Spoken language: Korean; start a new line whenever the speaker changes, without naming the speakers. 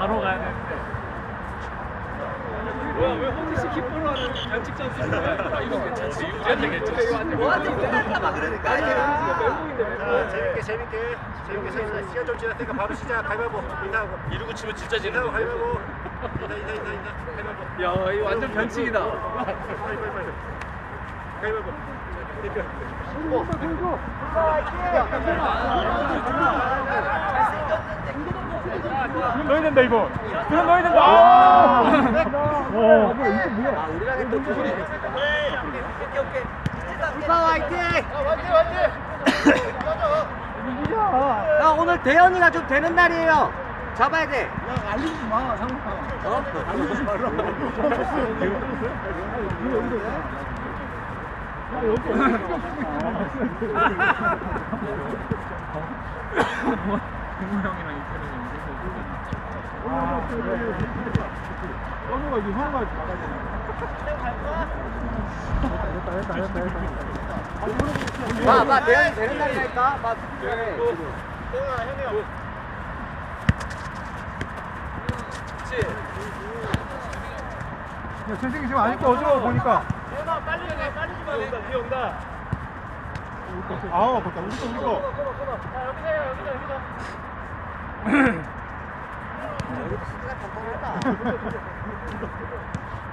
바로 가야 되는데. 뭐야 왜 호기씨 기뻐로 하는 변칙 전술인 거야? 이거 괜찮지? 우리한테 괜찮지?
뭐한테 이끌릴까봐 그러니까.
자, 재밌게 시간 좀 지났으니까 바로 시작. 가위바위보 인사하고
이러고 치면 진짜
인사하고
재밌는데.
가위바위보 인사 가위바위보
야 이거 완전 변칙이다.
가위바위보
그럼 넣어야 된다 이거. 그럼 넣어야 된다. 아,
우리랑 했던 그 소리. 오케이. 불파 화이팅! 야 오늘 대현이가 좀 되는 날이에요. 잡아야 돼.
알리지 마, 상훈아. 알리지 마라. 동우 형이랑 이태리 현우가 이제 현우가 나가야 되네.
봐, 대현이 되는 날이니까. 봐, 그래.
야, 재생이 지금 아직도 어지러워 보니까.
뒤에 온다
아우, 맞다. 우리 거.
여기도 수비가 뻔뻔했다.